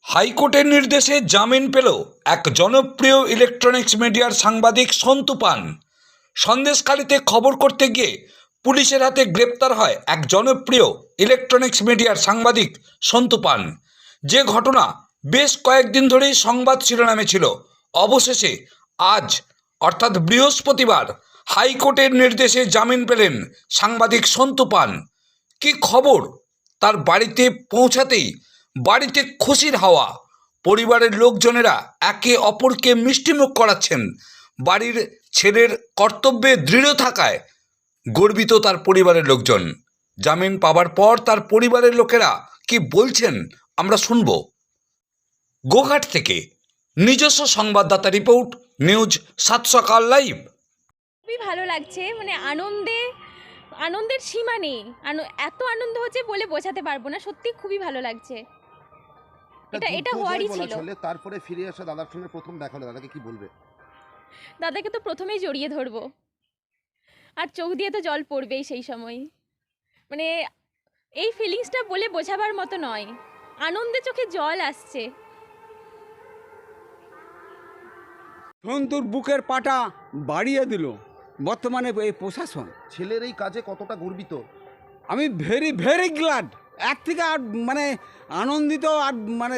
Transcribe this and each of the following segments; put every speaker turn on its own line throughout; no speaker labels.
হাইকোর্টের নির্দেশে জামিন পেল এক জনপ্রিয় ইলেকট্রনিক্স মিডিয়ার সাংবাদিক সন্তু পান। সন্দেশখালীতে খবর করতে গিয়ে পুলিশের হাতে গ্রেপ্তার হয় এক জনপ্রিয় ইলেকট্রনিক্স মিডিয়ার সাংবাদিক সন্তু পান। যে ঘটনা বেশ কয়েকদিন ধরেই সংবাদ শিরোনামে ছিল, অবশেষে আজ অর্থাৎ বৃহস্পতিবার হাইকোর্টের নির্দেশে জামিন পেলেন সাংবাদিক সন্তু পান। কি খবর, তার বাড়িতে পৌঁছাতেই বাড়িতে খুশির হাওয়া। পরিবারের লোকজনেরা একে অপরকে মিষ্টিমুখ করাচ্ছেন। বাড়ির ছেলের কর্তব্যে দৃঢ় থাকায় গর্বিত তার পরিবারের লোকজন। জামিন পাওয়ার পর তার পরিবারের লোকেরা কি বলছেন আমরা শুনব। গোঘাট থেকে নিজস্ব সংবাদদাতা রিপোর্ট, নিউজ 7 সকাল লাইভ।
খুবই ভালো লাগছে, মানে আনন্দের সীমা নেই। এত আনন্দ হচ্ছে বলে বোঝাতে পারবো না, সত্যি খুবই ভালো লাগছে। এটা হওয়ারই ছিল।
তারপরে ফিরে আসা দাদার সঙ্গে প্রথম দেখা হলো, দাদাকে কি বলবে?
দাদাকে তো প্রথমেই জড়িয়ে ধরবো, আর চোখ দিয়ে তো জল পড়বেই সেই সময়। মানে এই ফিলিংসটা বলে বোঝাবার মতো নয়, আনন্দে চোখে জল আসছে।
সন্তুর বুকের পাটা বাড়িয়ে দিল বর্তমানে এই প্রশাসন।
ছেলের এই কাজে কতটা গর্বিত?
আমি ভেরি গ্ল্যাড। এক থেকে আর মানে আনন্দিত, আর মানে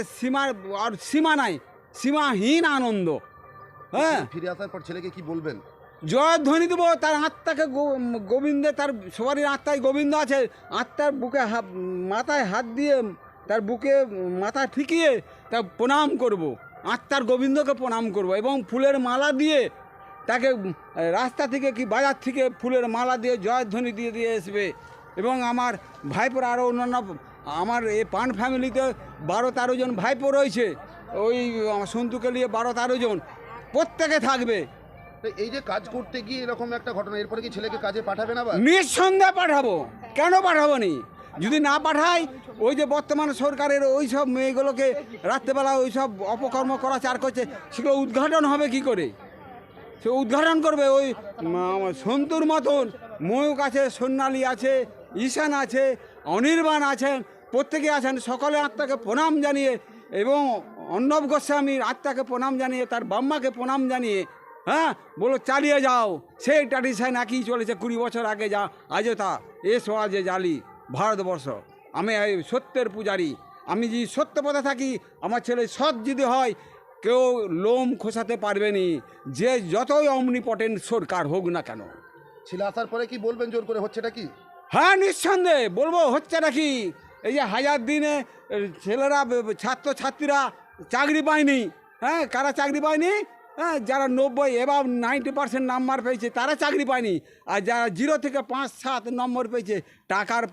সীমা নাই, সীমাহীন আনন্দ। হ্যাঁ,
ফিরে আসার পর ছেলেকে কি বলবেন?
জয়ধ্বনি দেবো, তার আত্মাকে গোবিন্দে, তার সবারই আত্মায় গোবিন্দ আছে। আত্মার বুকে মাথায় হাত দিয়ে তার বুকে মাথা ঠেকিয়ে তার প্রণাম করব, আত্মার গোবিন্দকে প্রণাম করব, এবং ফুলের মালা দিয়ে তাকে রাস্তা থেকে কি বাজার থেকে ফুলের মালা দিয়ে জয়ধ্বনি দিয়ে আসবে। এবং আমার ভাইপোর আরও অন্যান্য, আমার এই পান ফ্যামিলিতে 12-13 জন ভাইপো রয়েছে, ওই সন্তুকে নিয়ে 12-13 জন প্রত্যেকে থাকবে।
এই যে কাজ করতে গিয়ে এরকম একটা ঘটনা, এরপরে কি ছেলেকে কাজে পাঠাবে না?
নিঃসন্দেহে পাঠাবো, কেন পাঠাবো নি? যদি না পাঠাই, ওই যে বর্তমান সরকারের ওই সব মেয়েগুলোকে রাত্রেবেলা ওই সব অপকর্ম করাচার করছে, সেগুলো উদ্ঘাটন হবে কি করে? সে উদ্ঘাটন করবে ওই সন্তুর মতন। ময়ূক আছে, সোনালী আছে, ঈশান আছে, অনির্বাণ আছেন, প্রত্যেকে আছেন। সকলে আত্মাকে প্রণাম জানিয়ে, এবং অর্ণব গোস্বামীর আত্মাকে প্রণাম জানিয়ে, তার বাম্মাকে প্রণাম জানিয়ে, হ্যাঁ বলো চালিয়ে যাও। সেই ট্র্যাডিশন একই চলেছে 20 বছর আগে, যা আজও তা। এসো আজে জালি ভারতবর্ষ। আমি এই সত্যের পূজারি, আমি যে সত্য পথে থাকি। আমার ছেলে সৎ যদি হয়, কেউ লোম খোসাতে পারবে নি, যে যতই অমনিপটেন্ট সরকার হোক না কেন।
ছেলে আসার পরে কি বলবেন জোর করে? হচ্ছেটা কি?
হ্যাঁ, নিঃসন্দেহে বলবো হচ্ছে নাকি। এই যে 1000 দিনে ছেলেরা, ছাত্রছাত্রীরা চাকরি পায়নি। হ্যাঁ, কারা চাকরি পায়নি? হ্যাঁ, যারা 90 এবার 90% নাম্বার পেয়েছে তারা চাকরি পায়নি। আর যারা 0 থেকে 5-7 নম্বর পেয়েছে, টাকার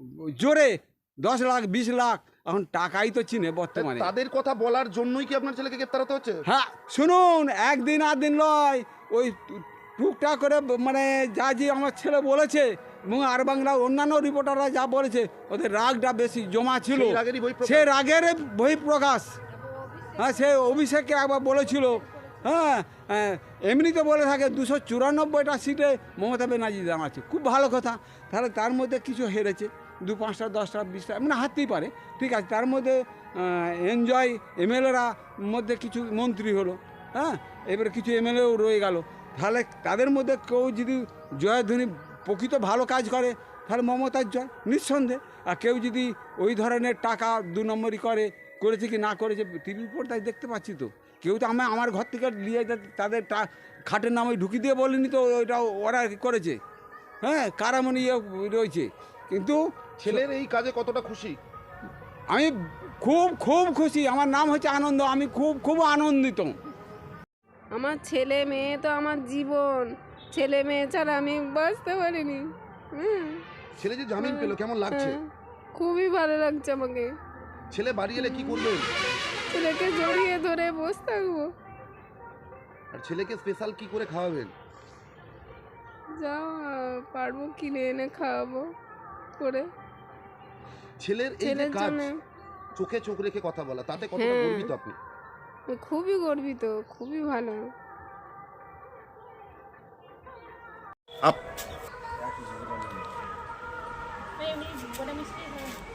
জোরে 10 লাখ 20 লাখ, এখন টাকাই তো চিনে বর্তমানে।
তাদের কথা বলার জন্যই কি আপনার ছেলেকে গ্রেপ্তার হতে হচ্ছে?
হ্যাঁ, শুনুন, একদিন আর দিন নয়, ওই টুকটাক করে মানে যা যে আমার ছেলে বলেছে, এবং আর বাংলা অন্যান্য রিপোর্টাররা যা বলেছে, ওদের রাগটা বেশি জমা ছিল। সে রাগের বহিঃপ্রকাশ। হ্যাঁ, সে অভিষেককে একবার বলেছিল, হ্যাঁ এমনিতে বলে থাকে 294টা সিটে মমতা ব্যানার্জি দাঁড়াচ্ছে, খুব ভালো কথা। তাহলে তার মধ্যে কিছু হেরেছে, 2-5টা 10টা 20টা মানে হারতেই পারে, ঠিক আছে। তার মধ্যে এনজয় এমএলএরা মধ্যে কিছু মন্ত্রী হলো, হ্যাঁ, এবারে কিছু এমএলএও রয়ে গেল। তাহলে তাদের মধ্যে কেউ যদি জয়ধ্বনি প্রকৃত ভালো কাজ করে, তাহলে মমতার জয় নিঃসন্দেহে। আর কেউ যদি ওই ধরনের টাকা 2 নম্বরই করেছে কি না করেছে, টিভির পর্দায় দেখতে পাচ্ছি তো। কেউ তো আমার ঘর থেকে নিয়ে তাদের খাটের নামে ঢুকিয়ে দিয়ে বলেনি তো ওইটা ওরা করেছে। হ্যাঁ, কারামণি রয়েছে। কিন্তু
ছেলের এই কাজে কতটা খুশি?
আমি খুব খুশি। আমার নাম হচ্ছে আনন্দ, আমি খুব আনন্দিত।
আমার ছেলে মেয়ে তো আমার জীবন, ছেলে মেয়ে ছাড়া আমি বাঁচতে পারিনি।
ছেলে যে জামিন পেল, কেমন লাগছে?
খুবই ভালো লাগছে আমাকে।
ছেলে বাড়ি এলে কি করবেন?
ছেলেকে জড়িয়ে ধরে বসে থাকবো।
আর ছেলেকে স্পেশাল কি করে খাওয়াবেন?
যাও পারবো কিনে এনে খাওয়াবো করে।
ছেলের এই যে কাজ, চোখে চোখ রেখে কথা বলা, তাতে কতটা গর্বিত আপনি?
খুবই গর্বিত, খুবই ভালো।
আপ